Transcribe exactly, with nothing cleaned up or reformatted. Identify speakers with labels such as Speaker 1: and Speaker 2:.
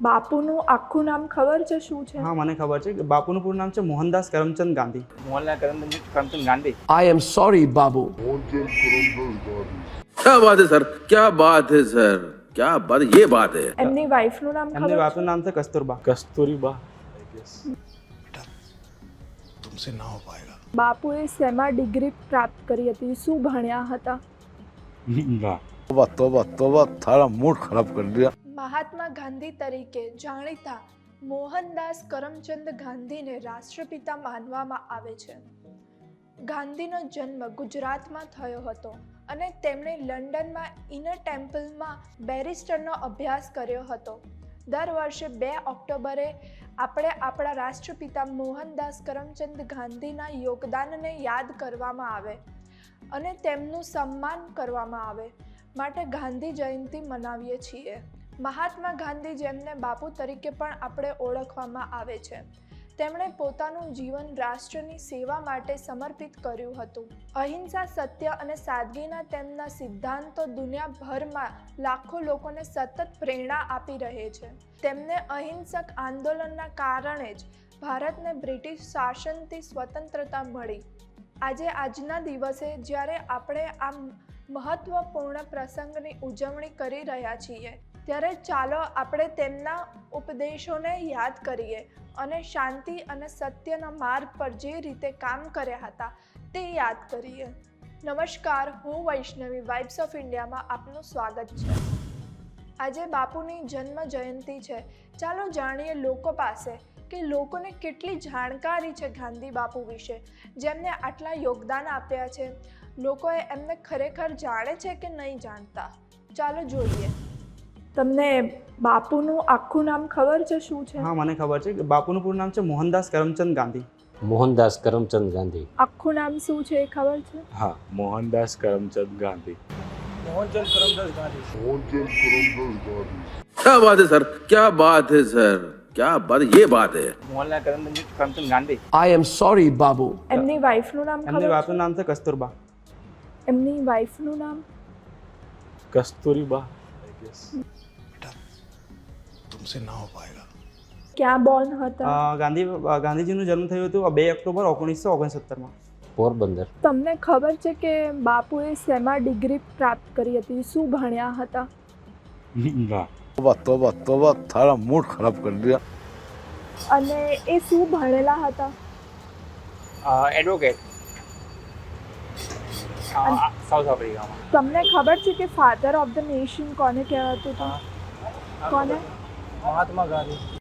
Speaker 1: બાપુનું આખું નામ ખબર છે શું છે?
Speaker 2: હા મને ખબર છે કે બાપુનું પૂરું નામ છે Mohandas Karamchand Gandhi.
Speaker 3: Mohanlal Karamchand Karamchand Gandhi.
Speaker 4: I am sorry, Babu.
Speaker 5: क्या बात है सर, क्या बात है सर, क्या बात, ये बात है.
Speaker 1: એમની વાઈફનું નામ
Speaker 2: એમની
Speaker 1: ખબર
Speaker 2: બાપનું
Speaker 1: છે?
Speaker 2: નામ છે કસ્તુરબા.
Speaker 3: કસ્તુરીબા
Speaker 4: तुमसे ना हो पाएगा.
Speaker 1: બાપુએ શેમાં ડિગ્રી પ્રાપ્ત કરી હતી? શું ભણ્યા હતા?
Speaker 5: तोबा तोबा तोबा, थारा मूड खराब कर दिया.
Speaker 1: મહાત્મા ગાંધી તરીકે જાણીતા મોહનદાસ કરમચંદ ગાંધીને રાષ્ટ્રપિતા માનવામાં આવે છે. ગાંધીનો જન્મ ગુજરાતમાં થયો હતો અને તેમણે લંડનમાં ઇનર ટેમ્પલમાં બેરિસ્ટરનો અભ્યાસ કર્યો હતો. દર વર્ષે બે ઓક્ટોબરે આપણે આપણા રાષ્ટ્રપિતા મોહનદાસ કરમચંદ ગાંધીના યોગદાનને યાદ કરવામાં આવે અને તેમનું સન્માન કરવામાં આવે માટે ગાંધી જયંતિ મનાવીએ છીએ. મહાત્મા ગાંધી જેમને બાપુ તરીકે પણ આપણે ઓળખવામાં આવે છે, તેમણે પોતાનું જીવન રાષ્ટ્રની સેવા માટે સમર્પિત કર્યું હતું. અહિંસા, સત્ય અને સાદગીના તેમના સિદ્ધાંતો દુનિયાભરમાં લાખો લોકોને સતત પ્રેરણા આપી રહે છે. તેમને અહિંસક આંદોલનના કારણે જ ભારતને બ્રિટિશ શાસનથી સ્વતંત્રતા મળી. આજે આજના દિવસે જ્યારે આપણે આ મહત્વપૂર્ણ પ્રસંગની ઉજવણી કરી રહ્યા છીએ, ત્યારે ચાલો આપણે તેમના ઉપદેશોને યાદ કરીએ અને શાંતિ અને સત્યના માર્ગ પર જે રીતે કામ કર્યા હતા તે યાદ કરીએ. નમસ્કાર, હું વૈષ્ણવી, વાઇબ્સ ઓફ ઇન્ડિયામાં આપનું સ્વાગત છે. આજે બાપુની જન્મ જયંતિ છે. ચાલો જાણીએ લોકો પાસે કે લોકોને કેટલી જાણકારી છે ગાંધી બાપુ વિશે, જેમને આટલા યોગદાન આપ્યા છે. લોકોએ એમને ખરેખર જાણે છે કે નહીં જાણતા? ચાલો જોઈએ. તમને બાપુનું આખું નામ ખબર છે શું છે?
Speaker 2: હા મને ખબર છે કે બાપુનું પૂરું નામ છે મોહનદાસ કરમચંદ ગાંધી.
Speaker 6: મોહનદાસ કરમચંદ ગાંધી.
Speaker 1: આખું નામ શું છે એ ખબર છે?
Speaker 3: હા, મોહનદાસ કરમચંદ ગાંધી.
Speaker 5: क्या बात है सर, क्या बात है सर, क्या बात, ये बात है.
Speaker 3: Mohanlal Karamchand Karamchand Gandhi.
Speaker 4: I am sorry, Babu.
Speaker 1: એમની વાઈફનું નામ
Speaker 2: એમની
Speaker 1: ખબર
Speaker 2: બાપનું
Speaker 1: છે?
Speaker 2: નામ છે કસ્તુરબા.
Speaker 1: એમની વાઈફનું નામ?
Speaker 3: કસ્તુરીબા.
Speaker 4: तुमसे ना हो पाएगा.
Speaker 1: ક્યાં બોર્ન હતા?
Speaker 2: અ, ગાંધી ગાંધીજીનું જન્મ થયું હતું બે ઓક્ટોબર ઓગણીસો ઓગણસત્તરમાં.
Speaker 6: પોરબંદર.
Speaker 1: તમને ખબર છે કે બાપુએ શેમાં ડિગ્રી પ્રાપ્ત કરી હતી? શું ભણ્યા હતા?
Speaker 5: तोबा तोबा तोबा, थारा मूड खराब कर दिया.
Speaker 1: અને એ શું ભણેલા હતા?
Speaker 3: એડવોકેટ સાઉથ આફ્રિકામાં.
Speaker 1: તમને ખબર છે કે ફાધર ઓફ ધ નેશન કોને કહેવાતું હતું? કોને?
Speaker 3: મહાત્મા ગાંધી.